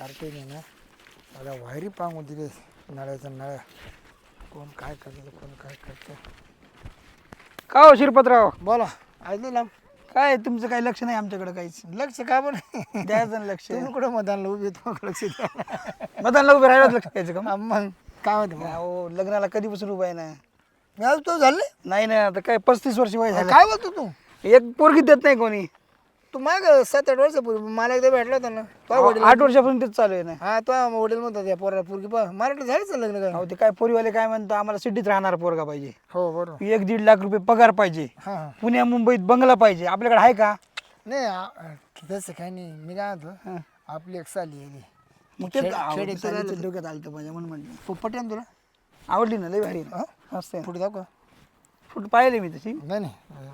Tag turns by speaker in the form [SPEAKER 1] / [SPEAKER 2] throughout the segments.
[SPEAKER 1] Carte नाही ना मला वायरी पांगून दिले नळ्याचं नळ्या कोण काय करतं कोण काय करतं.
[SPEAKER 2] का हो शिरपतराव,
[SPEAKER 1] बोला ऐकलं ना
[SPEAKER 2] काय तुमचं काही लक्ष नाही आमच्याकडे काहीच.
[SPEAKER 1] लक्ष का पण
[SPEAKER 2] द्यायचं ना लक्ष.
[SPEAKER 1] तुम्ही कुठं मतदानला उभी तुम्हाला लक्ष द्या.
[SPEAKER 2] मतदानला उभे राहिलाच लक्ष द्यायचं का मग?
[SPEAKER 1] मग काय म्हणते मग?
[SPEAKER 2] हो, लग्नाला कधीपासून उभा आहे ना.
[SPEAKER 1] आज तो झाले
[SPEAKER 2] नाही ना, आता काय 35 वर्ष वय झालं.
[SPEAKER 1] काय बोलतो तू
[SPEAKER 2] एक पोरगी देत नाही कोणी.
[SPEAKER 1] तू माग 7-8 वर्षापूर्वी मला एकदा भेटला होता ना तो वडील
[SPEAKER 2] 8 वर्षापासून तेच चालू आहे ना.
[SPEAKER 1] हा तो वडील म्हणतात या पोरा पोरगी पा मराठी झालीच लग्न काय
[SPEAKER 2] हो, ते काय पोरीवाले काय म्हणतो, आम्हाला सिटीत राहणार पोरगा पाहिजे,
[SPEAKER 1] हो बरोबर
[SPEAKER 2] 1-1.5 लाख रुपये पगार पाहिजे,
[SPEAKER 1] हा हा
[SPEAKER 2] पुण्या मुंबईत बंगला पाहिजे. आपल्याकडे आहे का?
[SPEAKER 1] नाही तसं काही नाही मी काय म्हणतो
[SPEAKER 2] हं.
[SPEAKER 1] आपली एक साली आहे
[SPEAKER 2] मग तेच
[SPEAKER 1] खेडे
[SPEAKER 2] खेडे डोक्यात आलं पाहिजे म्हणून म्हटलं.
[SPEAKER 1] पटेल ना तुला
[SPEAKER 2] आवडली ना, लय भारी ना.
[SPEAKER 1] हा?
[SPEAKER 2] मस्त आहे.
[SPEAKER 1] पुढे जाऊ का
[SPEAKER 2] फुट पाहिले मी तशी.
[SPEAKER 1] नाही नाही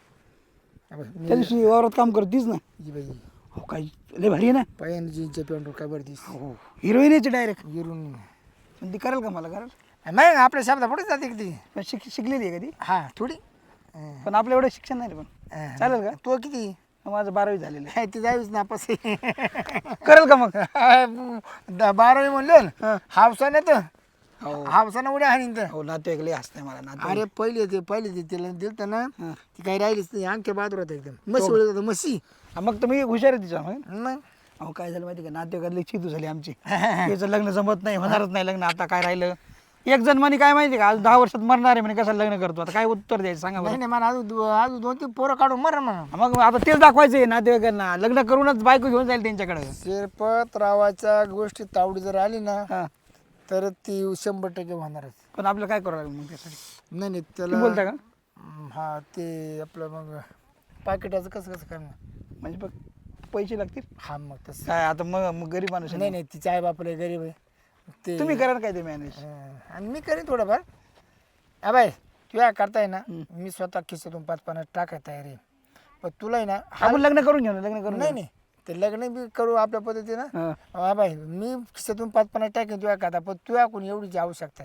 [SPEAKER 2] त्या दिवशी वावरात काम करतीस ना.
[SPEAKER 1] जी बाई
[SPEAKER 2] हो, काय लय भारी आहे ना.
[SPEAKER 1] पायान जीनच्या पॅन्टवर काय बरं दिस
[SPEAKER 2] हो, हिरोईनची डायरेक्ट.
[SPEAKER 1] गिरून
[SPEAKER 2] पण ती करेल का मला? करेल.
[SPEAKER 1] नाही आपल्या शब्दा पुढे जाते किती
[SPEAKER 2] पण शिकलेली आहे कधी.
[SPEAKER 1] हा थोडी
[SPEAKER 2] पण आपलं एवढं शिक्षण नाही रे. पण चालेल का?
[SPEAKER 1] तो किती
[SPEAKER 2] माझं 12वी झालेलं आहे.
[SPEAKER 1] ती जावीच नापास
[SPEAKER 2] करेल का मग?
[SPEAKER 1] 12वी म्हणलं
[SPEAKER 2] हा.
[SPEAKER 1] हावसाने तर
[SPEAKER 2] हो.
[SPEAKER 1] हावसाने उड्या हाणीन तर
[SPEAKER 2] हो, नातेवाईक लय हसते मला. नातेवाईक
[SPEAKER 1] अरे पहिले ते तिला दिलं ना
[SPEAKER 2] हा.
[SPEAKER 1] ती काही राहिलीच नाही अंगठ्या बहादूर होता एकदम म्हशी उडत होता म्हशी
[SPEAKER 2] हा, मग तर मी हुशार आहे तिच्या मग.
[SPEAKER 1] मग
[SPEAKER 2] अहो, काय झालं माहिती का, नातेवाईकातली चितू झाली आमची. याचं लग्न जमत नाही, होणारच नाही लग्न. आता काय राहिलं, एक जण म्हणे काय माहिती का, आज 10 वर्षात मरणार आहे म्हणे, कसं लग्न करतो. आता काय उत्तर द्यायचं सांगा
[SPEAKER 1] नाही
[SPEAKER 2] बरं.
[SPEAKER 1] नाही मला अजून 2-3 पोरं काढून मर म्हणा
[SPEAKER 2] मग आता तेच दाखवायचं आहे नातेवाईकांना, लग्न करूनच बायको घेऊन जाईल त्यांच्याकडे.
[SPEAKER 1] शिरपतरावाच्या गोष्टी तावडी जर आली ना
[SPEAKER 2] हा,
[SPEAKER 1] तर ती 100% होणारच.
[SPEAKER 2] पण आपलं काय करावं लागेल मग त्यासाठी?
[SPEAKER 1] नाही नाही
[SPEAKER 2] तुम्ही
[SPEAKER 1] त्याला
[SPEAKER 2] बोलता का?
[SPEAKER 1] हा ते आपलं मग पाकिटाचं कसं कसं करणार
[SPEAKER 2] म्हणजे बघ, पैसे लागतील.
[SPEAKER 1] हा मग तसं
[SPEAKER 2] काय आता मग गरीब माणूस आहे
[SPEAKER 1] नाही
[SPEAKER 2] ना.
[SPEAKER 1] नाही तिच्या आई बापाला गरीब आहे ते
[SPEAKER 2] तुम्ही करा ना काय ते मॅनेज.
[SPEAKER 1] आणि मी करेन थोडंफार हा बाय तुया करताय ना मी स्वतः खिशातून 5-50 टाकाय तयार आहे पण तुला आहे ना
[SPEAKER 2] आपण लग्न करून घेऊ ना, लग्न करून
[SPEAKER 1] नाही नाही ते लग्न बी करू आपल्या पद्धतीनं
[SPEAKER 2] हा.
[SPEAKER 1] हा बाय मी खिशातून 5-50 टाकेन तुया करता पण तुया कोणी एवढीची आवश्यकता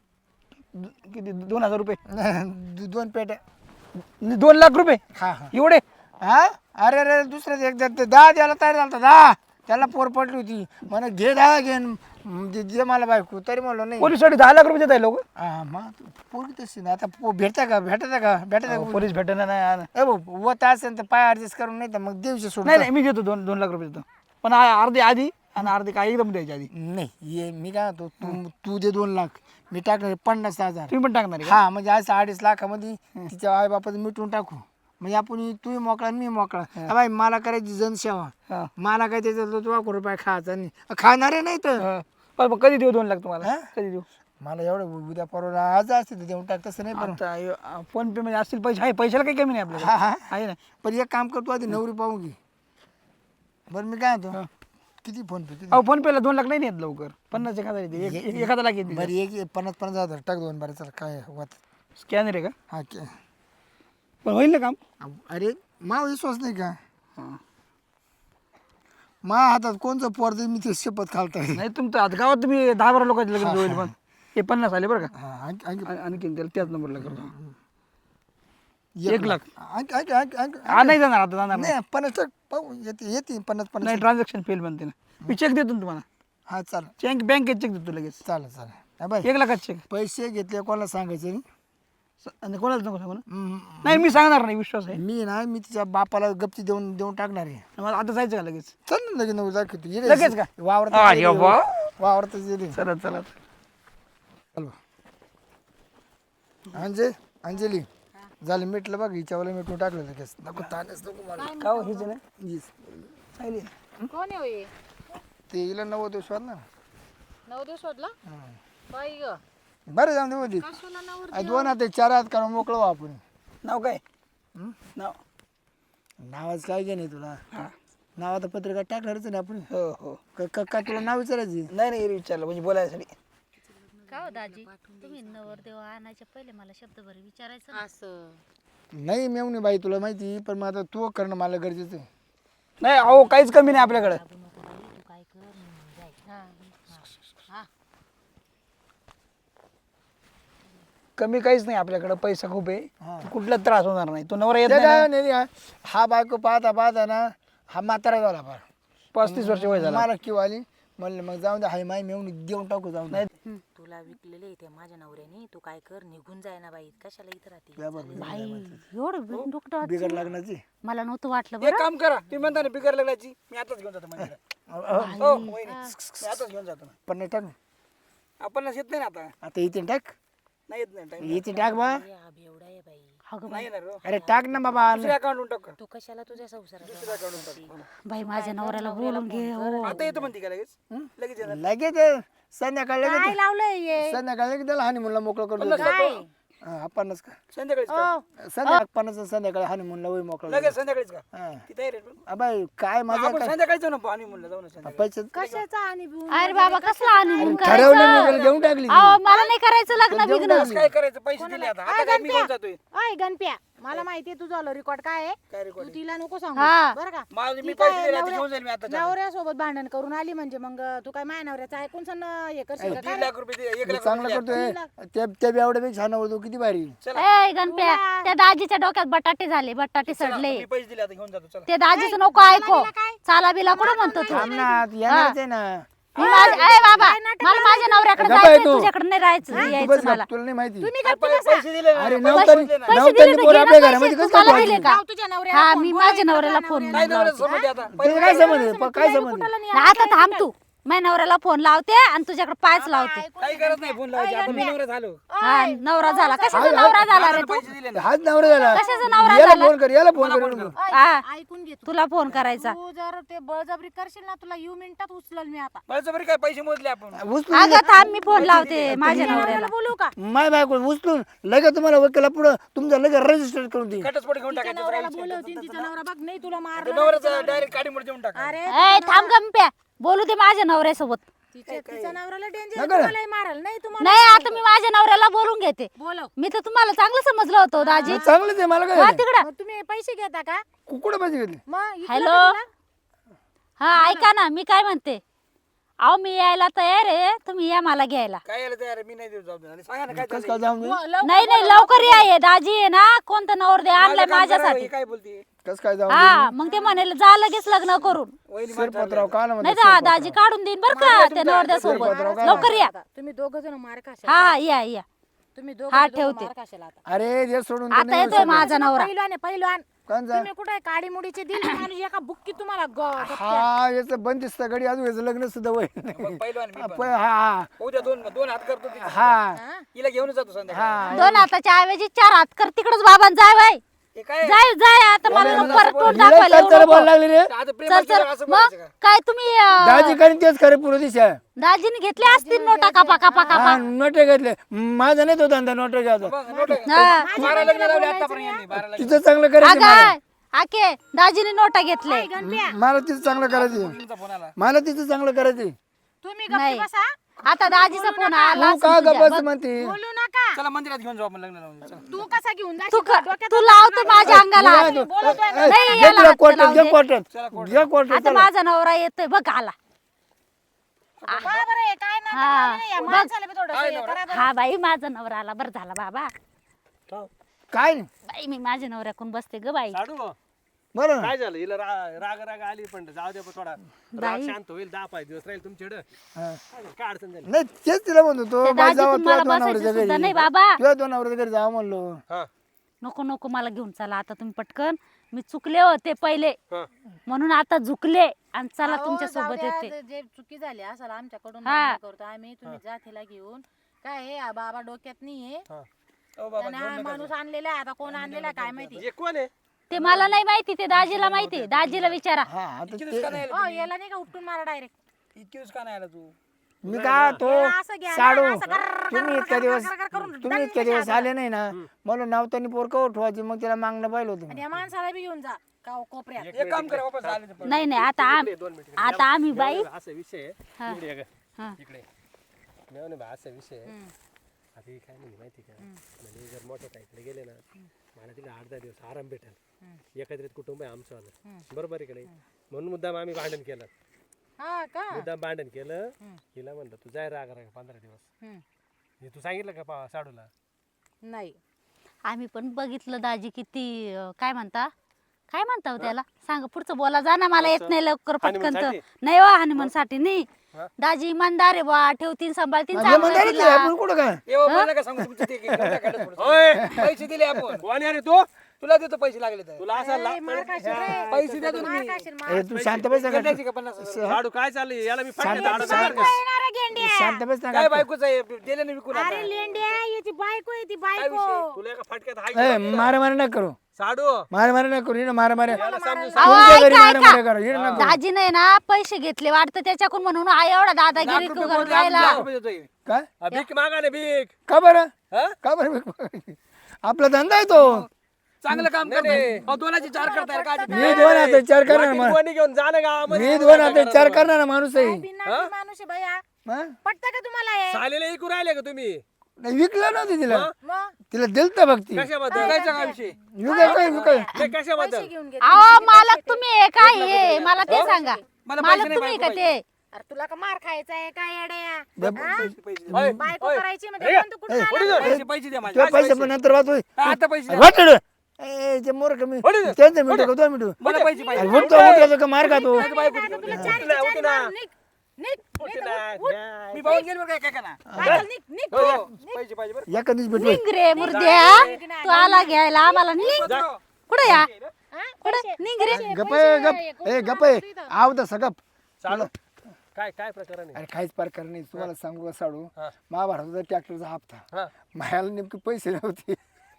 [SPEAKER 2] किती? 2,000 रुपये?
[SPEAKER 1] आहे 2 पेट्या
[SPEAKER 2] 2 लाख रुपये
[SPEAKER 1] हा हा
[SPEAKER 2] एवढे?
[SPEAKER 1] हा अरे अरे दुसऱ्याच एकदा 10 द्यायला तयार झाला 10 त्याला पोर पडली होती म्हणे घे 10 घेन दे मला बायको तरी म्हणलो नाही
[SPEAKER 2] पोलीससाठी 10 लाख रुपये देत आहे लोक.
[SPEAKER 1] हा मग पोरगी तशी ना आता भेटता का
[SPEAKER 2] पोलीस भेटणार नाही.
[SPEAKER 1] ए भाऊ वत असेल तर पाय ऍडजस्ट करून नाही तर मग दिवशी सोड
[SPEAKER 2] नाही मी घेतो 2 लाख रुपये देतो, पण अर्धे आधी आणि अर्धे काय एकदम द्यायचे आधी.
[SPEAKER 1] नाही ये मी काय म्हणतो तू दे 2 लाख मी टाकणार 50,000
[SPEAKER 2] तुम्ही पण टाकणार आहे का?
[SPEAKER 1] हा म्हणजे असं 2.5 लाखामध्ये तिच्या आई बापाचं मिटून टाकू म्हणजे आपण तू मोकळा आणि मी मोकळा हा बाई मला करायची जनसेवा
[SPEAKER 2] हा.
[SPEAKER 1] मला काय त्याच्यात 2 रुपये खायचा नाही खाणारे नाही तर
[SPEAKER 2] हा. पण मग कधी देऊ 2 लाख तुम्हाला?
[SPEAKER 1] हा?
[SPEAKER 2] कधी देऊ?
[SPEAKER 1] मला एवढं उद्या परवा आज असते तर देऊन टाक तसं नाही पण
[SPEAKER 2] आता फोन पे मध्ये असतील पैसे, आहे पैशाला काही कमी नाही
[SPEAKER 1] हा
[SPEAKER 2] आपल्याला,
[SPEAKER 1] हा
[SPEAKER 2] आहे ना.
[SPEAKER 1] पण एक काम करतो आधी नवरी पाहू घे बरं मी काय म्हणतो किती फोन पे किती
[SPEAKER 2] अहो, फोन पेला 2 लाख नाही येत लवकर. 50,000 येते, 1,000 लाख येते.
[SPEAKER 1] बरं एक 50,000 टाक 2 बरं चल काय होत
[SPEAKER 2] स्कॅनर आहे का?
[SPEAKER 1] हा
[SPEAKER 2] पण होईल ना काम?
[SPEAKER 1] अरे मा विश्वास नाही का
[SPEAKER 2] हा.
[SPEAKER 1] मा हातात कोणचं पोर दे मी ते शपथ खालता
[SPEAKER 2] नाही तुमचं आता गावात तुम्ही 10-12 लोकांचे लग्न होईल, पण हे 50 आले बरं का.
[SPEAKER 1] हा आणखी
[SPEAKER 2] आणखीन त्याला त्याच नंबरला करतो.
[SPEAKER 1] 1
[SPEAKER 2] 1 लाख
[SPEAKER 1] आणखी
[SPEAKER 2] हा, नाही जाणार आता, जाणार नाही.
[SPEAKER 1] नाही 50 टाक पाहू येते 50
[SPEAKER 2] नाही, ट्रान्झॅक्शन फेल बनते ना. मी चेक देतो ना तुम्हाला,
[SPEAKER 1] हा चालेल
[SPEAKER 2] चेक बँकेत चेक देतो लगेच.
[SPEAKER 1] चालेल हा बाय
[SPEAKER 2] 1 लाखात चेक.
[SPEAKER 1] पैसे घेतले कोणाला सांगायचे नाही
[SPEAKER 2] आणि कोणाला नको सांगू ना.
[SPEAKER 1] हम्म.
[SPEAKER 2] नाही मी सांगणार नाही, विश्वास आहे
[SPEAKER 1] मी तिच्या बापाला गपची देऊन टाकणार आहे
[SPEAKER 2] मला. आता जायचं का लगेच?
[SPEAKER 1] चल ना लगेच नऊ दाखव तू
[SPEAKER 2] लगेच का? अरे वा.
[SPEAKER 1] वावरतच गेली
[SPEAKER 2] चला चला.
[SPEAKER 1] अंजली झालं मिटलं बघ हिच्यावाला मिटून टाकलं लगेच नको ताणच नको मला
[SPEAKER 2] का हो, हेच आहे ना?
[SPEAKER 1] हीच.
[SPEAKER 2] चालेल ना.
[SPEAKER 3] कोण आहे होय?
[SPEAKER 1] ते हिला 9 दिवस ना
[SPEAKER 3] 9 दिवस शोधला बाई ग
[SPEAKER 1] बरं जाऊन दे मध्ये
[SPEAKER 3] कशाला नवर
[SPEAKER 1] 2 हात 4 हात करून मोकळं व्हा आपण
[SPEAKER 2] नाव काय?
[SPEAKER 1] हं?
[SPEAKER 2] नाव?
[SPEAKER 1] नावाच काय घे नाही तुला
[SPEAKER 2] हा.
[SPEAKER 1] नावात पत्रिका टाकणारच ना आपण
[SPEAKER 2] हो हो.
[SPEAKER 1] का तुला नाव विचारायची
[SPEAKER 2] नाही नाही, विचारलं म्हणजे बोलायसाठी.
[SPEAKER 4] का हो दाजी तुम्ही नवरदेव आणायच्या पहिले मला शब्दभर विचारायचं ना.
[SPEAKER 3] असं
[SPEAKER 1] नाही मेवणी बाई तुला माहिती पण मग आता तू करणं मला गरजेचं आहे
[SPEAKER 2] नाही अहो, काहीच कमी नाही आपल्याकडे.
[SPEAKER 4] तू काय कर मी जाय. हा.
[SPEAKER 2] कमी काहीच नाही आपल्याकडे, पैसा खूप आहे.
[SPEAKER 1] हा.
[SPEAKER 2] कुठला त्रास होणार नाही. तो नवरा येत
[SPEAKER 1] ते
[SPEAKER 2] नाही
[SPEAKER 1] काय
[SPEAKER 2] ना.
[SPEAKER 1] नाही हा बायको पाहता ना हा म्हातारा झाला फार
[SPEAKER 2] 35 वर्ष वय झालं.
[SPEAKER 1] मला किंवा आली म्हणलं मग जाऊन दे हाय माय मेवून देऊन टाकू जाऊन दे.
[SPEAKER 5] तुला विकलेले ते माझ्या नवऱ्याने, तू काय कर, निघून जाय ना बाई, कशाला इथं राहते.
[SPEAKER 1] या बरं,
[SPEAKER 4] बाई एवढं डोकं
[SPEAKER 1] बिगड लग्नाची
[SPEAKER 4] मला नव्हतं वाटलं
[SPEAKER 2] एक
[SPEAKER 4] बरं.
[SPEAKER 2] काम करा, तुम्ही म्हणता ना बिगर लग्नाची, मी आताच घेऊन जातो मंदिरात. हो वहिनी, मी आताच घेऊन जातो ना.
[SPEAKER 1] पण नाही टाक
[SPEAKER 2] आपण येत नाही ना आता,
[SPEAKER 1] आता इथे टाक
[SPEAKER 2] नाही येत नाही टाइम,
[SPEAKER 1] इथे टाक बा.
[SPEAKER 5] हा बेवडा आहे बाई,
[SPEAKER 4] अगं
[SPEAKER 2] नाही येणार हो.
[SPEAKER 1] अरे टाक ना बाबा.
[SPEAKER 2] दुसऱ्या अकाउंटून टाक,
[SPEAKER 5] तू कशाला तुझ्या संसारात
[SPEAKER 2] दुसऱ्या अकाउंटून टाक.
[SPEAKER 4] बाई माझ्या नवऱ्याला बोलून घे हो.
[SPEAKER 2] आता येतो म्हणते का लगेच, लगेच येणार.
[SPEAKER 1] लगेच संध्याकाळी
[SPEAKER 3] काय
[SPEAKER 1] लगेच
[SPEAKER 3] लावलंय
[SPEAKER 1] संध्याकाळी लगेच त्याला हानिमूनला मोकळं करतो.
[SPEAKER 3] काय
[SPEAKER 1] आपणच का
[SPEAKER 2] संध्याकाळीच का?
[SPEAKER 1] संध्याकाळी आपणच संध्याकाळी हानिमूनला होई मोकळं
[SPEAKER 2] लगेच संध्याकाळीच का?
[SPEAKER 1] हा.
[SPEAKER 2] तिथे आहे रे पण.
[SPEAKER 1] अबाई काय मजा
[SPEAKER 2] आपण
[SPEAKER 1] काय
[SPEAKER 2] संध्याकाळी जाऊ ना, आणि म्हणलं जाऊ ना संध्याकाळी.
[SPEAKER 1] पैसे
[SPEAKER 3] कशाचा आणि
[SPEAKER 4] अरे बाबा कसला हनीमून
[SPEAKER 1] ठरवलं
[SPEAKER 4] करायचं?
[SPEAKER 1] मी घेऊन टाकली
[SPEAKER 4] अहो मला नाही करायचं लग्न बिग्न.
[SPEAKER 2] बस काय करायचं, पैसे दिले आता, आता काय मी घेऊन जातोय.
[SPEAKER 3] अय गणप्या मला माहितीये तुझं रेकॉर्ड काय आहे
[SPEAKER 2] काय
[SPEAKER 3] तू
[SPEAKER 2] रेकॉर्ड
[SPEAKER 3] तिला नको सांगू
[SPEAKER 4] हा.
[SPEAKER 3] बरं का
[SPEAKER 2] माझे मी
[SPEAKER 3] ती
[SPEAKER 2] पैसे
[SPEAKER 3] काय
[SPEAKER 2] दिले, आता
[SPEAKER 3] नवऱ्या-
[SPEAKER 2] घेऊन जाईल मी आता.
[SPEAKER 3] नवऱ्यासोबत भांडण करून आली म्हणजे मग तू काय माय नवऱ्याचं ऐकून सण हे करशील का?
[SPEAKER 2] 1.5 लाख रुपये दिले, 1 लाख
[SPEAKER 1] चांगलं
[SPEAKER 2] रुपये
[SPEAKER 1] करतोय त्या बेवड्यापेक्षा छान होतो किती भारी.
[SPEAKER 4] ए गणप्या त्या दाजीच्या डोक्यात बटाटे झाले, बटाटे सडले.
[SPEAKER 2] मी पैसे दिले, आता घेऊन जातो. चला
[SPEAKER 4] ते दाजीचं नको ऐको. चाला बिला कुठं म्हणतो तू?
[SPEAKER 1] थांब ना येणारच आहे ना.
[SPEAKER 4] मी ए बाबा मला माझ्या नवऱ्याकडे
[SPEAKER 1] गप्प
[SPEAKER 4] जायचंय,
[SPEAKER 1] आहे तू.
[SPEAKER 4] तुझ्याकडे नाही राहायचं
[SPEAKER 1] तू
[SPEAKER 4] यायचं
[SPEAKER 1] बस
[SPEAKER 4] मला.
[SPEAKER 1] गप, तुला नाही माहिती.
[SPEAKER 3] तुम्ही
[SPEAKER 2] अरे
[SPEAKER 3] गप्प बसा.
[SPEAKER 2] पैसे दिले ना,
[SPEAKER 1] अरे
[SPEAKER 2] पैसे
[SPEAKER 1] नवतरी
[SPEAKER 2] दिले ना.
[SPEAKER 4] पैसे दिले तर
[SPEAKER 1] पोर
[SPEAKER 4] घे ना
[SPEAKER 1] आपल्या
[SPEAKER 4] पैसे.
[SPEAKER 1] घरामध्ये कसं
[SPEAKER 4] तुम्हाला
[SPEAKER 1] काय
[SPEAKER 4] दिले का?
[SPEAKER 3] लाव तुझ्या नवऱ्याला
[SPEAKER 4] हा
[SPEAKER 3] फोन,
[SPEAKER 4] मी
[SPEAKER 3] बोलायचं
[SPEAKER 4] माझ्या नवऱ्याला
[SPEAKER 3] तुझ्या
[SPEAKER 4] फोन
[SPEAKER 3] नवऱ्याला.
[SPEAKER 2] काय नवऱ्याचं संबंध आहे आता?
[SPEAKER 1] तुला काय संबंध आहे? पण काय संबंध आहे?
[SPEAKER 3] कुठाला नाही
[SPEAKER 4] आता थांब तू. माझ्या नवऱ्याला फोन लावते आणि तुझ्याकडे पायच लावते.
[SPEAKER 2] काही करत नाही फोन लावायची, आपण मी नवरा झालो.
[SPEAKER 4] हा नवरा झाला. कशाचा नवरा झाला रे तू?
[SPEAKER 2] पैसे दिले ना.
[SPEAKER 1] हाच नवरा झाला.
[SPEAKER 4] कशाचा नवरा
[SPEAKER 1] याला
[SPEAKER 4] झाला?
[SPEAKER 1] फोन कर, याला फोन कर.
[SPEAKER 4] हा
[SPEAKER 3] ऐकून घे तू.
[SPEAKER 4] तुला फोन करायचा.
[SPEAKER 3] तू जर ते बळजबरी करशील ना तुला यू मिनिटात उचलल मी आता
[SPEAKER 2] बळजबरी काय पैसे मोजले आपण.
[SPEAKER 1] उचलून
[SPEAKER 4] अगं थांब मी फोन लावते माझ्या नवऱ्याला.
[SPEAKER 3] बोलू का
[SPEAKER 1] माय बायको उचलून लगेच तुम्हाला वकिला पुढं तुमचं लगेच रजिस्टर करून दे.
[SPEAKER 2] घटस्फोट घेऊन
[SPEAKER 3] तिच्या
[SPEAKER 2] टाकायचं.
[SPEAKER 3] नवऱ्याला बोलवतील तिचा नवरा बघ नाही तुला मारलं
[SPEAKER 2] नवऱ्याचा डायरेक्ट काडीमध्ये देऊन टाका.
[SPEAKER 3] अरे
[SPEAKER 4] ए थांब गंप्या बोलू दे माझ्या नवऱ्यासोबत.
[SPEAKER 3] तिच्या नवऱ्याला डेंजर
[SPEAKER 1] नका ना.
[SPEAKER 3] तुम्हाला मारल नाही तुम्हाला
[SPEAKER 4] नाही आता मी माझ्या नवऱ्याला बोलून घेते.
[SPEAKER 3] बोलव
[SPEAKER 4] मी तर तुम्हाला चांगलं समजलं होतं दाजी.
[SPEAKER 1] चांगलंच आहे मला
[SPEAKER 4] हा
[SPEAKER 1] काय
[SPEAKER 4] तिकडं.
[SPEAKER 3] मग तुम्ही पैसे घेता का
[SPEAKER 1] कुठं पाहिजे घेतले.
[SPEAKER 3] मग इकडं
[SPEAKER 4] हॅलो
[SPEAKER 3] कधी ना?
[SPEAKER 4] हा ऐका ना मी काय म्हणते. अहो मी यायला तयार आहे, तुम्ही या मला घ्यायला.
[SPEAKER 2] काय यायला तयार आहे? मी नाही देऊ जाऊ दे. आणि सांगा ना काय
[SPEAKER 1] कसं
[SPEAKER 2] चाललंय?
[SPEAKER 1] काय जाऊन दे?
[SPEAKER 3] लवकर
[SPEAKER 4] नाही नाही लवकर या. हे दाजी आहे ना कोणतं नवरदे आणलंय
[SPEAKER 2] माझं काम करा,
[SPEAKER 4] माझ्यासाठी.
[SPEAKER 2] हे काय बोलते
[SPEAKER 1] कसं काय जाऊन
[SPEAKER 4] हा मग ते म्हणाले जा लगेच लग्न करून.
[SPEAKER 2] वहिनी
[SPEAKER 1] शिरपतराव का ना
[SPEAKER 4] नाही तर दाजी काढून देईन बर का त्या नवरद्यासोबत. लवकर या.
[SPEAKER 3] तुम्ही दोघ जण मार खाशाल
[SPEAKER 4] हा या या.
[SPEAKER 3] तुम्ही दोघ
[SPEAKER 4] हा, ठेवते.
[SPEAKER 3] मार खाशाल आता
[SPEAKER 1] अरे जे सोडून
[SPEAKER 4] आता येतोय माझा नवरा.
[SPEAKER 3] पहिलवान आहे पहिलवान
[SPEAKER 1] कोणचा?
[SPEAKER 3] तुम्ही कुठे काडी मुडीचे दिल माणूस एका बुक्की तुम्हाला
[SPEAKER 1] हा याचं बंदिस्त गडी अजून याचं लग्न सुद्धा होय
[SPEAKER 2] पहिलवान मी पण.
[SPEAKER 1] हा
[SPEAKER 2] उद्या दोन हात करतो तिथे.
[SPEAKER 1] हा
[SPEAKER 2] हिला घेऊन जातो संध्याकाळी.
[SPEAKER 4] दोन हाताच्या ऐवजी 4 हात कर तिकडच बाबां जाय बाई.
[SPEAKER 2] हे काय
[SPEAKER 4] जाय जाय आता मला परत तोंड
[SPEAKER 1] हिला
[SPEAKER 4] दाखवायला
[SPEAKER 1] काय
[SPEAKER 4] येऊ
[SPEAKER 1] त्याला
[SPEAKER 4] नको.
[SPEAKER 1] बोलायला लागली रे
[SPEAKER 2] आता प्रेम
[SPEAKER 4] चल
[SPEAKER 2] केलं
[SPEAKER 4] चल
[SPEAKER 2] असं
[SPEAKER 4] मग
[SPEAKER 2] बोलायचं का?
[SPEAKER 4] काय तुम्ही
[SPEAKER 1] दाजी करीन तेच खरे पुढे दिशा
[SPEAKER 4] दाजीने घेतले असतील नोटा कापा कापा कापा.
[SPEAKER 1] हा नोटे घेतले माझा नाही तो धंदा नोटे घ्यायचा
[SPEAKER 2] बघ, नोट आहे.
[SPEAKER 4] हा.
[SPEAKER 2] 12 लग्न लावले आतापर्यंत यांनी, 12 लग्न.
[SPEAKER 1] तिचं चांगलं करायचं मला.
[SPEAKER 4] अगं आके दाजीने नोटा घेतले.
[SPEAKER 1] मला तिचं चांगलं करायचं
[SPEAKER 2] तुमचा फोन आला.
[SPEAKER 1] मला तिचं चांगलं करायचं
[SPEAKER 3] तुम्ही
[SPEAKER 4] नाही.
[SPEAKER 3] गप्पी बसा
[SPEAKER 4] आता दाजीचा फोन आला
[SPEAKER 1] तू का
[SPEAKER 4] असेल तुझ्या.
[SPEAKER 1] गप्पा म्हणते
[SPEAKER 3] बोलू नका
[SPEAKER 2] चला मंदिरात घेऊन जाऊ आपण लग्न लावून. चला.
[SPEAKER 3] तू कसा घेऊन
[SPEAKER 4] तू
[SPEAKER 3] जाशील
[SPEAKER 4] तू लावतो माझ्या अंगाला हात. नाही, याला हात
[SPEAKER 1] क्वार्टर
[SPEAKER 4] लावू
[SPEAKER 1] घे
[SPEAKER 4] दे.
[SPEAKER 1] क्वार्टर घे क्वार्टर
[SPEAKER 4] आता माझा नवरा येतोय बघ आला.
[SPEAKER 3] बरं आहे, काय नाही
[SPEAKER 4] हा.
[SPEAKER 3] नाही, या माणसाला बी थोडंसं हे करा बरं.
[SPEAKER 4] हा बाई माझा नवरा आला. बरं झाला बाबा.
[SPEAKER 1] काय नाही
[SPEAKER 4] बाई मी माझ्या नवऱ्याकडून बसते ग बाई.
[SPEAKER 6] साडू
[SPEAKER 1] बरं ना?
[SPEAKER 6] काय झालं हिला राग राग आली पण जाऊ दे थोडा राग शांत होईल 10-5 दिवस राहील तुमच्याकडे
[SPEAKER 1] हा.
[SPEAKER 6] काय अडचण झाली
[SPEAKER 1] नाही तेच तिला म्हणतो तो
[SPEAKER 4] ते
[SPEAKER 1] बाई
[SPEAKER 4] दाजी
[SPEAKER 1] जावा
[SPEAKER 4] तुम्हाला
[SPEAKER 1] तुझ्या
[SPEAKER 4] बसायचं
[SPEAKER 1] दोनावरच्या
[SPEAKER 4] सुद्धा
[SPEAKER 1] घरी
[SPEAKER 4] नाही बाबा.
[SPEAKER 1] तुझ्या दोनावरच्या घरी जावं म्हणलो.
[SPEAKER 6] हा
[SPEAKER 4] नको नको मला घेऊन चला आता तुम्ही पटकन. मी चुकले होते पहिले
[SPEAKER 6] हा
[SPEAKER 4] म्हणून आता झुकले आणि चला
[SPEAKER 3] अहो,
[SPEAKER 4] तुमच्या
[SPEAKER 3] जाऊ
[SPEAKER 4] सोबत
[SPEAKER 3] द्या,
[SPEAKER 4] येते.
[SPEAKER 3] जे चुकी झाली असेल आमच्याकडून
[SPEAKER 4] हा.
[SPEAKER 3] मान्य करतो आम्ही तुम्ही जा तिला घेऊन काय आहे हा बाबा डोक्यात नाहीये
[SPEAKER 2] ओ बाबा,
[SPEAKER 3] आणि हा माणूस आणलेला आहे आता कोण आणलेला आहे काय माहिती
[SPEAKER 6] हे कोण आहे
[SPEAKER 4] ते मला नाही माहिती, ते दाजीला माहिती. दाजीला विचारा.
[SPEAKER 1] हा आता
[SPEAKER 2] इतकी
[SPEAKER 1] ते-
[SPEAKER 2] दिवस का नाही आला?
[SPEAKER 3] हो याला नाही का उपटून मारा डायरेक्ट
[SPEAKER 2] इतकी दिवस का नाही आला तू?
[SPEAKER 1] मी का तो
[SPEAKER 3] असं घ्या ना,
[SPEAKER 1] साडू
[SPEAKER 3] असं कर-
[SPEAKER 1] तुम्ही इतक्या दिवस
[SPEAKER 3] करून
[SPEAKER 1] तुम्ही इतक्या दिवस आले नाही ना मला नावतानी पोर का उठवायची मग त्याला मागणं पाहिलं होतं
[SPEAKER 3] आणि या माणसाला बी घेऊन जा कोपऱ्यात
[SPEAKER 2] एक काम करा वापस आले ते.
[SPEAKER 4] नाही नाही आता आता आम्ही बाई
[SPEAKER 6] असा विषय आहे.
[SPEAKER 4] हा.
[SPEAKER 6] इकडे ये ग.
[SPEAKER 4] हा.
[SPEAKER 6] इकडे मी म्हणे बा असा विषय आहे. आता हे काय नाही माहिती का म्हणजे जर मोठ्या ताईकडे गेले ना मला तिला 8-10 दिवस आराम भेटेल. एकत्रित कुटुंब आहे आमचं आलं बरोबर आहे का नाही म्हणून मुद्दाम आम्ही भांडण केलं.
[SPEAKER 3] हा का
[SPEAKER 6] मुद्दाम भांडण केलं हिला म्हणलं तू जाय राग राग 15 दिवस. हे तू सांगितलं का साडूला?
[SPEAKER 3] नाही
[SPEAKER 4] आम्ही पण बघितलं दाजी किती काय म्हणता हो त्याला सांग पुढचं बोला जा ना मला येत नाही लवकर पटकन तर.
[SPEAKER 6] हनीमूनसाठी?
[SPEAKER 4] नाही हो हनीमून साठी नाही दाजी इमानदार आहे बा, ठेवतीन सांभाळतीन
[SPEAKER 1] म्हणजे
[SPEAKER 4] चांगलं
[SPEAKER 1] म्हणतात
[SPEAKER 4] तिला.
[SPEAKER 1] आपण कुठं काय
[SPEAKER 2] पैसे दिले आपण
[SPEAKER 6] कोण आहे रे तू
[SPEAKER 2] तुला देतो पैसे लागले तर
[SPEAKER 6] तुला असा
[SPEAKER 3] मार खाशील रे.
[SPEAKER 2] पैसे देतो ना
[SPEAKER 3] मार
[SPEAKER 2] मी.
[SPEAKER 3] खाशील, मार.
[SPEAKER 1] ए, तू शांत बस ना
[SPEAKER 2] गंड्याची का 50,000?
[SPEAKER 6] लाडू काय चाललंय याला मी
[SPEAKER 1] शांत
[SPEAKER 6] फटके
[SPEAKER 1] बस,
[SPEAKER 6] दाडू
[SPEAKER 1] शांत
[SPEAKER 3] येणार आहे गेंड्या.
[SPEAKER 1] शांत बस ना
[SPEAKER 2] काय बायकोच आहे दिले ना विकून आता.
[SPEAKER 3] अरे लेंड्या याची बायको आहे ती बायको.
[SPEAKER 6] तुला एका फटक्यात हाय
[SPEAKER 1] ए मारा मारा नका करू
[SPEAKER 6] साडू
[SPEAKER 1] मारा मारा नका करू हिनं मारा मारा
[SPEAKER 4] अहो,
[SPEAKER 1] तुमच्या घरी
[SPEAKER 4] ऐका,
[SPEAKER 1] मारा मारा
[SPEAKER 4] ऐका.
[SPEAKER 1] करा हिनं नका करू.
[SPEAKER 4] दाजीने ना पैसे घेतले वाटतं त्याच्याकडून, म्हणून हा एवढा दादागिरी
[SPEAKER 2] लाख रुपये
[SPEAKER 4] करून
[SPEAKER 2] मोठे,
[SPEAKER 4] राहिला.
[SPEAKER 2] लाख रुपये देतोय.
[SPEAKER 1] काय
[SPEAKER 6] भीक मागा ना भीक
[SPEAKER 1] का बरं
[SPEAKER 6] हा?
[SPEAKER 1] का बरं आपला धंदा आहे तो
[SPEAKER 2] चांगलं काम करतो दोनाची 4 करताय काय
[SPEAKER 1] मी दोन हात चार करणार
[SPEAKER 6] वाटीत कोणी घेऊन जा ना गावामध्ये
[SPEAKER 1] मी दोन हात चार करणार माणूस आहे
[SPEAKER 3] बिनधास्त माणूस आहे भैया.
[SPEAKER 1] हा?
[SPEAKER 3] पटतं का तुम्हाला हे?
[SPEAKER 6] सालेला ऐकू राहिले का तुम्ही
[SPEAKER 1] नाही, विकलं नव्हतं तिला
[SPEAKER 3] मग
[SPEAKER 1] तिला दिलत भक्ती
[SPEAKER 6] कशाबद्दल
[SPEAKER 2] विकायचा काय विषय
[SPEAKER 1] विकाय काय विकाय
[SPEAKER 6] नाही, कशाबद्दल
[SPEAKER 3] पैसे घेऊन घे.
[SPEAKER 4] अहो मालक तुम्ही आहे काय हे मला ते सांगा.
[SPEAKER 2] मला पैसे
[SPEAKER 4] मालक
[SPEAKER 2] नाही,
[SPEAKER 4] तुम्ही
[SPEAKER 2] बायको
[SPEAKER 4] का ते?
[SPEAKER 3] अरे तुला का मार खायचा आहे काय येड्या?
[SPEAKER 2] पैसे पैसे
[SPEAKER 6] होय,
[SPEAKER 3] बायको
[SPEAKER 6] होय.
[SPEAKER 3] करायची म्हणजे कोणतं कुठं आलं?
[SPEAKER 2] पैसे पैसे द्या माझे
[SPEAKER 1] तुला पैसे पण नंतर वाचू
[SPEAKER 2] आता पैसे द्या.
[SPEAKER 1] वाटलं ए ते मोर कमी त्यांचं मिनिटं का 2 मिनिटं
[SPEAKER 2] मला पैसे पाहिजे
[SPEAKER 1] अरे उठतो उठायचं का मार खातो
[SPEAKER 3] आता तुला चारी
[SPEAKER 6] उठू ना, उठू ना.
[SPEAKER 3] मारून निघ. निघ.
[SPEAKER 6] उठू ना, घ्या.
[SPEAKER 2] मी पाहून गेलो बरं काय काय ना
[SPEAKER 3] बायको निघ, निघ.
[SPEAKER 2] हो पैसे पाहिजे बरं
[SPEAKER 1] एका दिवशी भेटू
[SPEAKER 4] निघ रे मुर्द्या, तू आला घ्यायला आम्हाला निघ. कुठं या
[SPEAKER 3] हा?
[SPEAKER 4] कुठं निघ रे.
[SPEAKER 1] गप आहे, गप ए गप आहे आव तर सगप
[SPEAKER 6] साडू काय काय प्रकरण आहे
[SPEAKER 1] अरे काहीच प्रकार नाही तुम्हाला सांगू का साडू
[SPEAKER 6] हा.
[SPEAKER 1] महाभारताचा ट्रॅक्टरचा हप्ता
[SPEAKER 6] हा.
[SPEAKER 1] मायाला नेमके पैसे नव्हते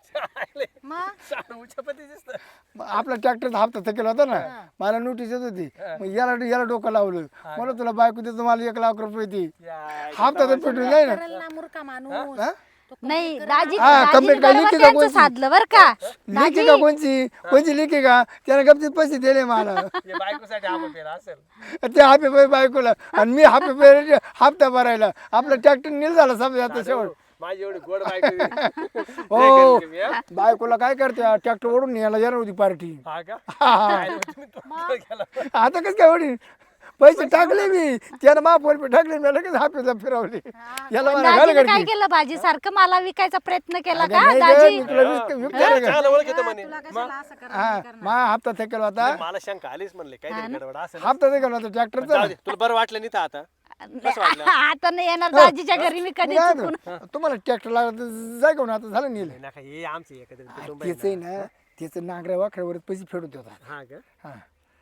[SPEAKER 3] मग
[SPEAKER 6] साडू उच्चपती दिसतं.
[SPEAKER 1] मग आपला ट्रॅक्टरचा हप्ता थकेला होता ना मला नोटीस येत होती मग याला डोकं लावलं मला तुला बायको देतो मला 1,00,000 रुपये ती
[SPEAKER 6] या,
[SPEAKER 1] हप्ता तर पेटून जाईल ना
[SPEAKER 3] करल ना मूर्खा माणूस.
[SPEAKER 1] हा?
[SPEAKER 4] नाही दाजी
[SPEAKER 1] हा,
[SPEAKER 4] दाजीने
[SPEAKER 1] कंप्लेंट काय
[SPEAKER 4] बरोबर
[SPEAKER 1] लिखी का
[SPEAKER 4] त्यांचं
[SPEAKER 1] कोणची?
[SPEAKER 4] साधलं बर का.
[SPEAKER 1] लिखी का कोणची लिखी का त्याने गपचीत पैसे दिले मला
[SPEAKER 6] हे बायकोसाठी आपण पेला असेल
[SPEAKER 1] ते हापे पे बायकोला आणि मी हापे पे हप्ता भरायला आपला ट्रॅक्टर नील झाला समजा आता शेवट
[SPEAKER 6] माझी एवढी गोड बायको
[SPEAKER 1] हो
[SPEAKER 6] तुम्ही, हा?
[SPEAKER 1] बायकोला काय करते ट्रॅक्टर ओढून यायला येणार होती पार्टी
[SPEAKER 6] हा का
[SPEAKER 1] हा.
[SPEAKER 6] तुम्ही तो गेला.
[SPEAKER 1] आता कसं काय ओढी पैसे टाकले मी त्यानं महापौर पे टाकले मी लगेच हापेला फिरवले याला मला घाल
[SPEAKER 4] दाजीने काय
[SPEAKER 1] गडकी
[SPEAKER 4] केलं भाजी सारखं मला विकायचा प्रयत्न केला
[SPEAKER 1] अगं
[SPEAKER 4] का
[SPEAKER 1] नाही गं,
[SPEAKER 4] दाजी?
[SPEAKER 1] मी तुला विकते रे गं.
[SPEAKER 6] चांगलं ओळखीतं म्हणे
[SPEAKER 3] तुला कशाला असं करणार?
[SPEAKER 1] हा मा हप्ता थकेल होता
[SPEAKER 6] मला शंका आलीच म्हणले काहीतरी गडबड असेल
[SPEAKER 1] हप्ता थकेल होता ट्रॅक्टरचा
[SPEAKER 6] जाऊ दे, तुला बरं वाटलं नाही तर आता
[SPEAKER 4] आता नाही येणार दाजीच्या घरी मी कधी
[SPEAKER 1] काय
[SPEAKER 4] चुकून.
[SPEAKER 1] होतं? तुम्हाला ट्रॅक्टर लागला तर जाय घेऊन आता झालं नेलं
[SPEAKER 6] नका हे आमचे एकत्रित कुटुंब आहे
[SPEAKER 1] त्याच आहे ना त्याचं नागऱ्या वाखड्यावर पैसे फेडत होता
[SPEAKER 6] ना. हा का
[SPEAKER 1] हा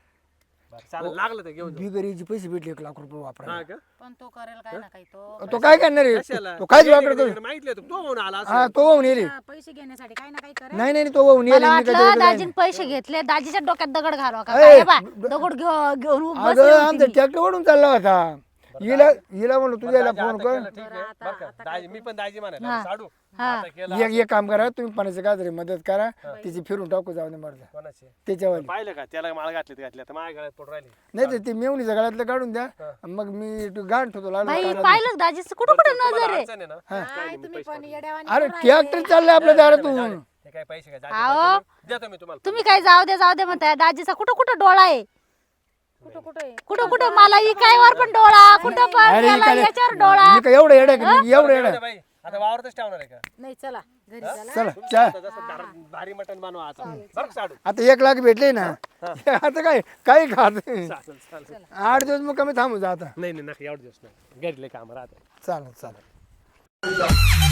[SPEAKER 6] बरं चालेल लागलं तर घेऊन जाऊ.
[SPEAKER 1] बिगरीचे पैसे भेटले 1,00,000 रुपये वापरा
[SPEAKER 6] हा का
[SPEAKER 3] पण तो करेल काय ना काही तो
[SPEAKER 1] तो काय करणार आहे
[SPEAKER 6] कशाला
[SPEAKER 1] तो काहीच वापर करू
[SPEAKER 6] माहितलं होतं, तो म्हणून आला
[SPEAKER 1] हा तो वाहून येईल
[SPEAKER 3] पैसे घेण्यासाठी काही ना काही करेल.
[SPEAKER 1] नाही तो वाहून येईल
[SPEAKER 4] मला
[SPEAKER 1] मी
[SPEAKER 4] वाटलं
[SPEAKER 1] कधी
[SPEAKER 4] दाजीने पैसे घेतले दाजीच्या डोक्यात दगड घालवा का
[SPEAKER 1] ए,
[SPEAKER 4] काय बा दगड घेऊन बसले
[SPEAKER 1] अगं
[SPEAKER 4] होते
[SPEAKER 1] आमचा
[SPEAKER 4] मी.
[SPEAKER 1] ट्रॅक्टर ओढून चालला होता हिला म्हणलो तुझ्या
[SPEAKER 6] दाजी
[SPEAKER 1] फोन
[SPEAKER 6] आता
[SPEAKER 1] कर
[SPEAKER 6] केलं, ठीक आहे बरं का दाजी मी पण दाजी म्हणायला साडू आता केलं
[SPEAKER 1] एक काम करा तुम्ही पाण्याचं काय तरी मदत करा तिची फिरून टाकू जाऊ दे मरदा
[SPEAKER 6] कोणाचे
[SPEAKER 1] त्याच्यावर
[SPEAKER 6] पाहिलं का त्याला माळ घातली आता माझ्या गळ्यात पडून राहिली
[SPEAKER 1] नाही तर ते मेवणीच्या गळ्यातलं काढून द्या मग मी गाण ठेवतो
[SPEAKER 4] बाई
[SPEAKER 1] लागलो
[SPEAKER 4] पाहिलं दाजीचं कुठं कुठं नजर आहे.
[SPEAKER 6] अडचण आहे ना
[SPEAKER 3] काय तुम्ही पण येड्यावानी
[SPEAKER 1] अरे ट्रॅक्टर चाललंय आपल्या दारातून
[SPEAKER 6] हे काय पैसे काय
[SPEAKER 4] अहो.
[SPEAKER 6] देतो मी तुम्हाला
[SPEAKER 4] तुम्ही काय जाऊ दे म्हणताय दाजीचा कुठं कुठं डोळा आहे
[SPEAKER 3] कुठं कुठं
[SPEAKER 4] कुठं कुठं मला इकायवर पण डोळा कुठं पण
[SPEAKER 1] अरे
[SPEAKER 4] त्याला
[SPEAKER 1] इकडे-
[SPEAKER 4] याच्यावर डोळा
[SPEAKER 1] मी काय एवढं येडा आहे का? मी एवढं येडा आहे?
[SPEAKER 6] बाई आता वावरतच ठेवणार आहे का
[SPEAKER 3] नाही चला घरी चला.
[SPEAKER 1] चला चहा
[SPEAKER 6] आता जसं भारी मटण बनवा आता बरं का साडू
[SPEAKER 1] आता 1,00,000 भेटले ना आता काय काही खात
[SPEAKER 6] चालेल चालेल
[SPEAKER 1] 8 दिवस मग कमी थांबू जा आता
[SPEAKER 6] नाही नाही नका एवढं दिवस नाही घरी लय काम राहते
[SPEAKER 1] चालेल